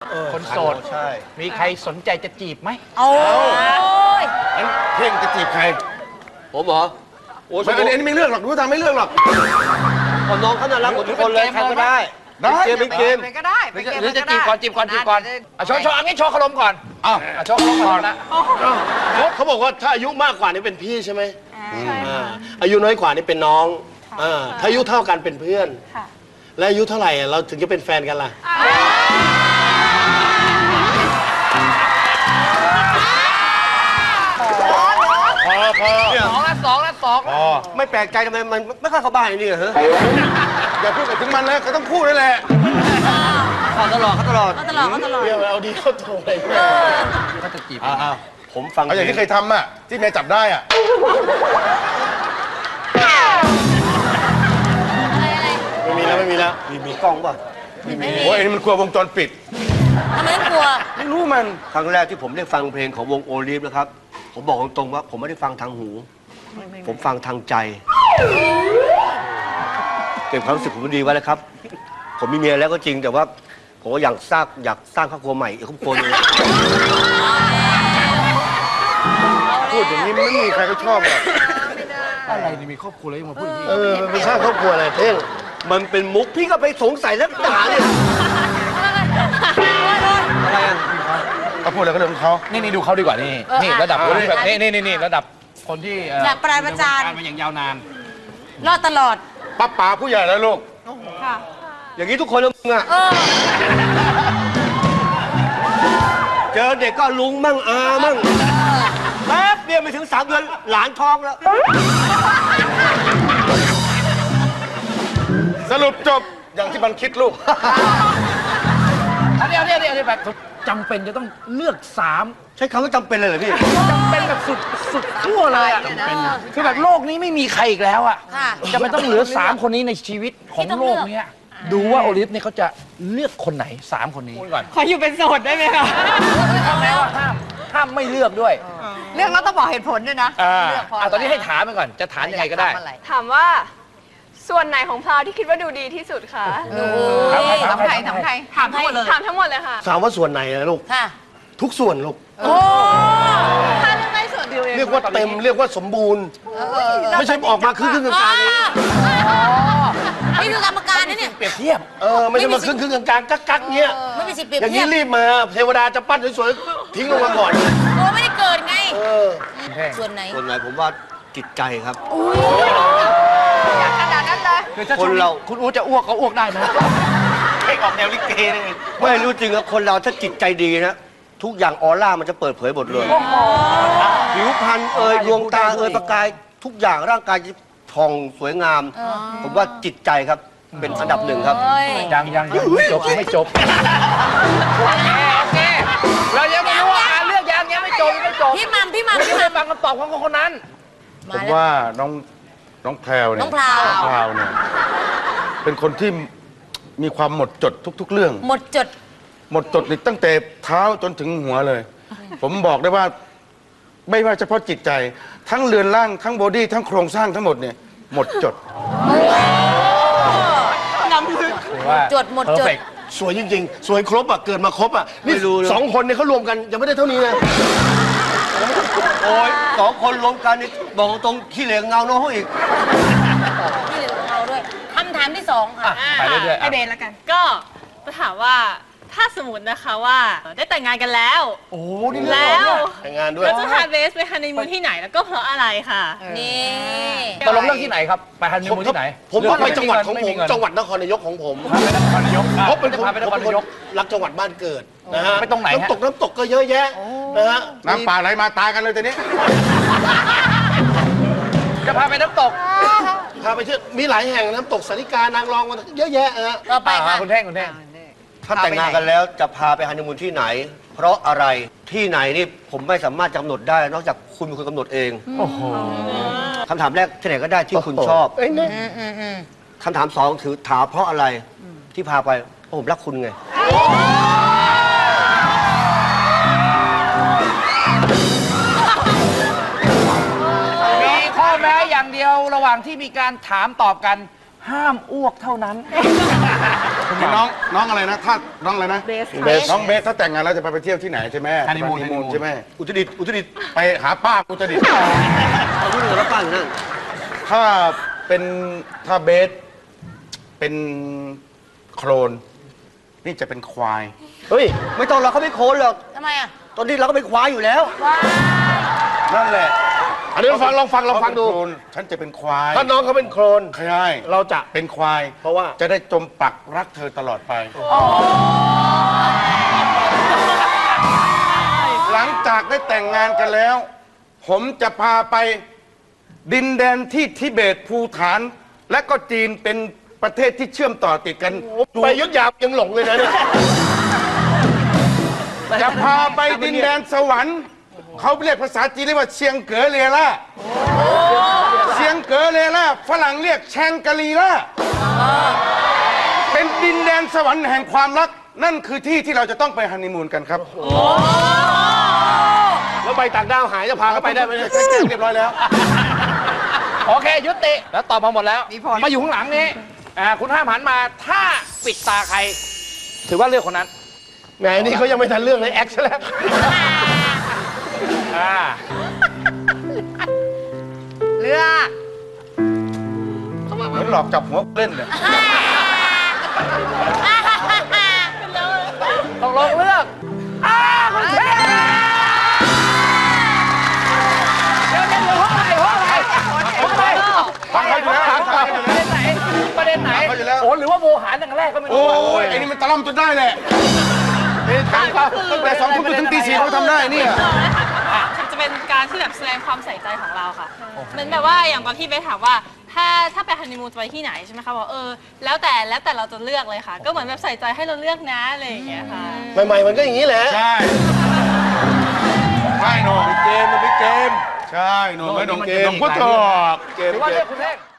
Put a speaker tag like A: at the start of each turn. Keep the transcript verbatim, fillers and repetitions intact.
A: คนโสดใช่มีใครสนใจจะจีบไหม
B: โอ้ย
C: เพ่งจะจีบใครผมเหรอโอ้ยอันนี้ไม่เลือกหรอกรู้ทางไม่เลือกหรอกคนน้องเขาน่ารักหมดทุกคนเลยใครก็ได้ได้เกมเป็นเกม
B: เป็นก็ได้เป็นเกม
A: หรือจะจีบก่อนจีบก่อนจีบก่อนอ่ะโชว์โชว์อันนี้โชว์ขนมก่อนอ่ะโชว์ขนมก่อนนะ
C: เขาบอกว่าถ้าอายุมากกว่านี่เป็นพี่ใช่ไหมอายุน้อยกว่านี่เป็นน้องถ้าอายุเท่ากันเป็นเพื่อนและอายุเท่าไหร่เราถึงจะเป็นแฟนกันล่ะพอพอ
A: สองละสองละสอง
C: พอไม่แปลกใจทำไมมันไม่ค่อยเข้าบ้านนี่เหรออย่าพูดถึงมันเลยเขาต้องพูดนั่นแหละเขาตลอดเขาตลอด
B: เขาตลอดเขาตลอด
C: เดี๋ยวเอาดีเข้าตัวเลย
A: เขาจะจีบ
C: อ้าวผมฟังเอาอย่างที่เคยทำอ่ะที่เมียจับได้อ่ะ ไม่มีแล้วไม่มีแล้วมีมีกล้องป่ะไม่มีโอ้ยอันนี้มันกลัววงจรปิด
B: ทำไมต้องกลัว
C: ไม่รู้มันครั้งแรกที่ผมได้ฟังเพลงของวงโอลิฟนะครับผมบอกตรงๆว่าผมไม่ได้ฟังทางหู ผมฟังทางใจเก็บความรู้สึกผมดีไว้แล้วครับ ผมมีเมียแล้วก็จริงแต่ว่าผมก็อยากสร้างอยากสร้างครอบครัวใหม่อีกครอบครัวนึงพูดอย่างนี้ไม่มีใครก็ชอบหรอก
A: อะไรนี่มีครอบครัวแล้วยังมาพูดอย่างนี้
C: เออมันสร้างครอบครัวอะไรเท่งมันเป็นมุกพี่ก็ไปสงสัยแล้วด่าเนี่ยอะไรอ่ะเขาพูดอะไรก็เรื่องของเขา
A: นี่นี่ดูเขาดีกว่านี่นี่ระดับคนที่แบบนี่นี่นี่ระดับคนที่
B: ระดับปราบประจาน
A: มาอย่างยาวนาน
B: รอดตลอด
C: ป้าป๋าผู้ใหญ่แล้วลูกอย่างนี้ทุกคนเลยมึงอ่ะเจอเด็กก็ลุงมั่งอามั่งแป๊บเดียวไม่ถึงสามเดือนหลานท้องแล้วสรุปจบอย่างที่มันคิดลูก
A: อันนี้อันนี้อันนี้แบบจำเป็นจะต้องเลือกสาม
C: ใช้คำว่าจำเป็นเลยเหรอพี่
A: จำเป็นแบบสุดสุดขั้วเลยอ่ะคือแบบโลกนี้ไม่มีใครอีกแล้วอ่ะ
B: ค่ะ
A: จะไม่ต้องเหลือสามคนนี้ในชีวิตของโลกเนี้ยดูว่าโอลิฟเนี่ยเขาจะเลือกคนไหนสามคนนี้ก่อน
D: ขออยู่เป็นโสดได้ไหมคะ
A: ทำแล้วห้ามห้ามไม่เลือกด้วย
D: เรื่องเราต้องบอกเหตุผลด้วยนะ
A: อ่า
D: เลือกเพราะ
A: อ่ะตอนนี้ให้ถามไปก่อนจะถามยังไงก็ได้
E: ถามว่าส่วนไหนของพราวที่คิดว่าดูดีที่สุดคะ
A: ถามใคร
D: ถามใครถามใครถามทั้งหมดเลย
E: ถามทั้งหมดเลยค่ะ
C: ถามว่าส่วนไหนนะลูก
B: ค่ะ
C: ทุกส่วนลูก
B: โอ้
E: ถ้าเลือกได้ส่วนเดียวเอง
C: เรียกว่าเต็มเรียกว่าสมบูรณ์ ไม่ใช่ออกมาครึ่งครึ่งกลางๆนี้
B: นี่คือกรรมการนะเนี่ย
A: เปรียบเทียบ
C: เออไม่ใช่มาครึ่งครึ่งกลางๆกักๆเงี้ย
B: ไม่มีสิทธิ์เปรียบ
C: อย่าง
B: เที
C: นี้
B: ยบ
C: รีบมาเทวดาจะปั้นสวยๆทิ้งลงมาก่อน
B: โอ้ไม่ได้เกิดไง
C: เออ
B: ส่วนไหน
C: ส่วนไหนผมว่าจิตใจครับ
E: อยากขนาดนั้นเลย
A: คือถ้า
C: คนเรา
A: คุณอู๋จะอ้วกก็อ้วกได้นะเพลงออกแนวลิเกเลย
C: ไม่รู้จริงครับคนเราถ้าจิตใจดีนะทุกอย่างออร่ามันจะเปิดเผยหมดเลยผิวพรรณเอ่ยดวงตาเอ่ยประกายทุกอย่างร่างกายจะผ่องสวยงาม ผมว่าจิตใจครับเป็นอันดับหนึ่งครับ
B: เอ้ย
A: ยังยังยังไม่จบไม่จบโอเคโอเคเรายังไม่รู้ว่าอ่านเรื่องยังยังไม่จบยังไม่จบ
B: พี่มัมพี่มัม
A: ไม่
B: พี่
A: ได้
B: มัม
A: ฟังคำตอบของคนนั้น
B: มา
F: ผม
B: แล้ว
F: ว่าน้องน้องแพรวเนี่ย
B: น้องพราว
F: พราวเนี่ยเป็นคนที่มีความหมดจดทุก ๆ เรื่อง
B: หมดจด
F: หมดจดนี่ตั้งแต่เท้าจนถึงหัวเลย ผมบอกได้ว่าไม่ว่าเฉพาะจิตใจ ทั้งเรือนร่างทั้งบอดี้ทั้งโครงสร้างทั้งหมดเนี่ยหมดจด
B: จดหมดจด
A: perfect
C: สวยจริงๆ สวยครบอ่ะเกิดมาครบอ่ะนี่
F: ไม่รู้เลย
C: สองคนเนี่ยเขารวมกันยังไม่ได้เท่านี้นะโอ้ยสองคนรวมกันนี่บอกตรงขี้เหลืองเงาน้องเขาอีก
B: พี่เหลือของเราด้วยคำถามที่สองค่ะ
A: ไปเรื่อยๆ
D: ไอ
A: อ่ะ
D: เบนแล้วกัน
E: ก็จะถามว่าถ้าสมมตินะคะว่าได้แต่งงานกันแล้ว
A: โอ้นี่
E: แล้ว
C: แต่งงานด้วย
E: เราจะพาเบสไปฮันนีมูนที่ไหนแล้วก็เพราะอะไรค่ะ
B: นี่
A: ตกลงเรื่องที่ไหนครับไปฮันนีมูนที่ไหน
C: ผมต้องไปจังหวัดของ
A: ไ
C: ผม
A: เน
C: จังหวัดนครนายกของผม
A: พาไปนครนายก
C: เพราะเป็น
A: จะ
C: คน
A: พาไปน
C: ผม
A: คร
C: เป็นคน
A: นายก
C: รักจังหวัดบ้านเกิดนะฮะ
A: ไปตรงไหนฮะ
C: น้ำตกน้ำตกก็เยอะแยะนะฮะ
F: น้ำป่าไหลมาตายกันเลยตอนนี้
A: จะพาไปน้ำตก
C: พาไปเที่ยวมีหลายแห่งน้ำตกสาริกานางรองมันเยอะแยะฮะ
B: ต่อไปค่ะ
A: อ่าคุณแท่งคุณแท่ง
C: ถ้าแต่งงานกันแล้วจะพาไปฮันนีมูนที่ไหน เพราะอะไรที่ไหนนี่ผมไม่สามารถกำหนดได้ นอกจากคุณเป็นคนกำหนดเอง
A: โอ้โห
C: คำถามแรกที่ไหนก็ได้ที่คุณชอบ
B: อืมอืมอืม
C: คำถามสองถือถามเพราะอะไรที่พาไปเพราะผมรักคุณไง
A: มีข้อแม้อย่างเดียวระหว่างที่มีการถามตอบกันห้ามอ้วกเท่านั้น คุณ
F: น้องน้องอะไรนะถ้าน้องอะไรนะ
E: เบส
F: เบสน้องเบสถ้าแต่งงานแล้วจะไปไปเที่ยวที่ไหนใช่ไหม
A: ฮันนีมูน
F: ฮันนีมูนใช่ไหม
C: อุตรดิตถ์อุตรดิตถ์
F: ไปหาป้าอุตรดิตถ์
C: เอาที่เหนือแล้วป้าอยู่นั่น
F: ถ้าเป็นถ้าเบสเป็นโคลนนี่จะเป็นควาย
C: เฮ้ย ไม่ต้องเราเขาไม่โคนหรอก
B: ทำไมอ่ะ
C: ตอนนี้เราก็เป็นควายอยู่แล้ว
F: นั่นแหละ
A: อันนี้ลองฟังลองฟังลองฟังดู
F: เขาเป็นโคลนฉันจะเป็นควาย
A: ถ้าน้องเขาเป็นโคลน
F: ใช่
A: เราจะ
F: เป็นควาย
A: เพราะว่า
F: จะได้จมปักรักเธอตลอดไป หลังจากได้แต่งงานกันแล้ว ผมจะพาไปดินแดนที่ทิเบตภูฐาน และก็จีนเป็นประเทศที่เชื่อมต่อติดกัน
A: ไปยุทธยายังหลงเลยนะเนี่ย
F: จะพาไปดินแดนสวรรค์ เขาเรียกภาษาจีนเรียกว่าเชียงเก๋อเรล่าเชียงเก๋อเรล่าฝรั่งเรียกแชงกรีล่าเป็นดินแดนสวรรค์แห่งความรัก นั่นคือที่ที่เราจะต้องไปฮันนีมูนกันครับ
A: แล้วใบต่างด้าวหายจะพาเขาไปได้ไหมเนี่ย
F: แจ้งเรียบร้อยแล้ว
A: โอเค ยุติแล้วตอบมาหมดแล้ว
D: มีผล
A: มาอยู่ข้างหลังนี้อ่าคุณห้ามหันมาถ้าปิดตาใคร ถือว่าเลือกคนนั้นแหมนี่เขายังไม่ทันเรื่องเลยแอคซะแล้วอ่า
D: เลือก
F: เหมือนหลอกจับหัวเล่นเนี่ย
A: ตกลงเลือกอ้าคุณเทพเดี๋ยวเดี๋ยวเดี๋ยวห้องไหนห้องไหนห้องไหน
F: ฟังเขาอยู่แล้วฟังเขาอยู่
A: ประ
F: แล้
A: เด็
F: วน
A: ไหนประเด็นไหน
F: ฟังเขาอยู่แล้ว
A: โอ้หรือว่าโมหารตั้งแต่แรกก็ไม่รู้
F: โอ้ยไอ้นี่มันตะล่อมจนได้แหละตั้งแต่สองทุ่มจนถึงตีสี่เขาทำได้เนี่ย
E: มันจะเป็นการที่แบบแสดงความใส่ใจของเราค่ะเหมือนแบบว่าอย่างตอนที่เบสถามว่า ถ้าถ้าไปฮันนีมูนจะไปที่ไหนใช่ไหมคะบอกเออแล้วแต่แล้วแต่เราจะเลือกเลยค่ะ ก็เหมือนแบบใส่ใจให้เราเลือกนะอะไรอย่างเงี้ยค่ะ
A: ใหม่ๆมันก็อย่างนี้แหละ
F: ใช่ใช่หนอง
A: เกมมันเป็นเกม
F: ใช่หนองไม่หนองเกม
A: มันจะมี
F: พุทธ
A: หลายเรื่อง
F: เกม
A: ถือว่าเลือกคุณเท่ง